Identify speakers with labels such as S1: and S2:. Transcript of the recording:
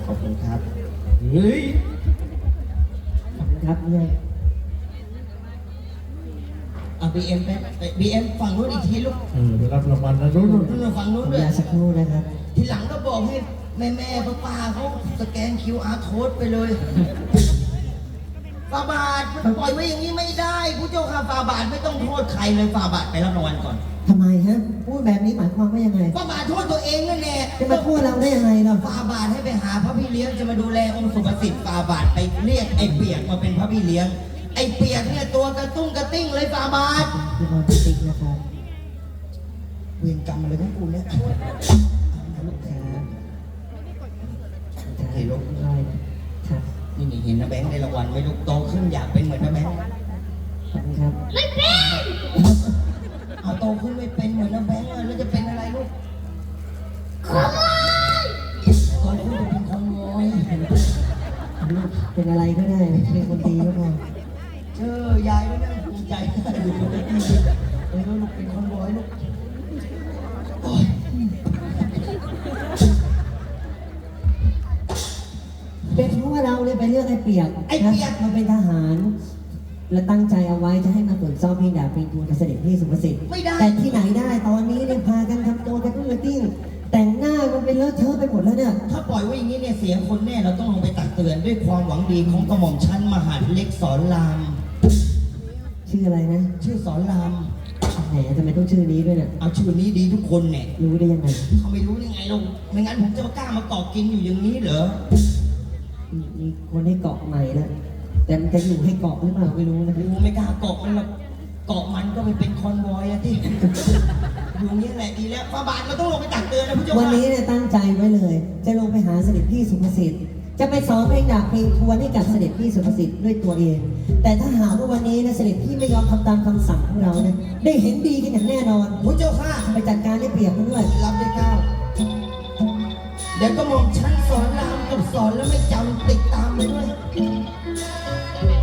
S1: อบคุณครับ
S2: เฮ้ย
S3: ขอบคุณครับเนี่ย
S1: เอาบีเอ็มไปบีเอ็มฝั่งนู้นอีกทีลูก
S2: ไปรับรางวัลนะรุ่น
S1: นู่นฝั่งนู้น
S3: ขอ
S1: ด้วย
S3: ยาสักครู่นะครับ
S1: ทีหลังก็บอกให้แม่ป้าเขาสแกน QR code ไปเลยฟาบาทมันปล่อยไว้อย่างนี้ไม่ได้ผู้เจ้าค่ะฟาบาทไม่ต้องโทษใครเลยฟาบาทไปรับรางวัลก่อน
S3: ทำไมฮะพูดแบบนี้หมายความว่ายังไง
S1: ฟาบาทโทษตัวเองนั่นแหละ
S3: จะมาพูดเราได้ยังไงเรา
S1: ฟาบาทให้ไปหาพระพี่เลี้ยงจะมาดูแลองค์สุภสิทธิ์ฟาบาทไปเรียกไอ้เปียกมาเป็นพระพี่เลี้ยงไอ้เปียกเนี่ยตัวกระตุ้งกระติ้งเลยฟาบาท
S3: พี่บอลติ๊กนะครับ
S1: เวรกรรมอะไรของกูเนี่ย
S3: ครับ
S1: เห็นลูก
S3: ร้อยนะครับ
S1: นี่เห็นนะแบงค์ในรางวัลไหม่ลูกโตขึ้นอยากเป็นเหมือนนะแบงค์
S3: ขอบคุณครับ
S1: เอาโตขึ้นไม่เป็นเหมือนนะแบงค์แล้วจะเป็นอะไรลูกโตขึ้นจะเป็นคนงอย
S3: ลูกเป็นอะไรก็ได้เป็นคนดีก็พอ
S1: ยายไม่นั่งภูมิใจอยู่ตรงนี้ลูกเป็นคนงอยลูกโอ้ย
S3: เป็นเพราะว่าเราเนี่ยไปเลือกไอ้เปียกนะมาเป็นทหาร และตั้งใจเอาไว้จะให้มาตรวจสอบเพลงดาบเพลงทูลกับเสด็จพี่สุภสิทธิ์
S1: ไม่ได้
S3: แต่ที่ไหนได้ตอนนี้เนี่ยพากันทำตัวกันตุ้งกระติ้งแต่งหน้ามันเป็นเลอะเทอะไปหมดแล้วเนี่ย
S1: ถ้าปล่อยไว้อย่างนี้เนี่ยเสียคนแน่เราต้องลงไปตักเตือนด้วยความหวังดีของกระหม่อมชั้นมหาดเล็กสอนราม
S3: ชื่ออะไรนะ
S1: ชื่อสอนราม
S3: แหมทำไมต้องชื่อนี้ด้วยเนี่ย
S1: เอาชื่อนี้ดีทุกคนเนี่ย
S3: รู้ได้ยังไง
S1: เขาไม่รู้ได้ไงลูกไม่งั้นผมจะมากล้ามาเกาะกินอยู่อย่างนี้เหรอ
S3: มีคนให้เกาะใหม่แล้วแต่มันจะอยู่ให้เกาะหรือเปล่าไม่รู้นะ
S1: กูไม่กล้าเกาะมันหรอกเกาะมันก็ไปเป็นคอนวอยอะที่ อยู่นี่แหละดีแล้วฟาบาทเราต้องลงไปตักเตือนนะผู้ชม
S3: วันนี้เนี่ยตั้งใจไว้เลย จะลงไปหาเสด็จพี่สุภสิทธิ์จะไปสอนเพลงดาบเพลงทวนให้กับเสด็จพี่สุภสิทธิ์ด้วยตัวเอง แต่ถ้าหากว่าวันนี้นะเสด็จพี่ไม่ยอมทำตามคำสั่งของเราเนี่ยได้เห็นดีกันอย่างแน่นอน
S1: ผู้เจ้าค่ะ
S3: ไปจัดการได้เปรียบมันด้วย
S1: รับได้เก้าเดี๋ยวก็มองชั้นสอนรามกับสอนแล้วไม่จำติดตามไปด้วย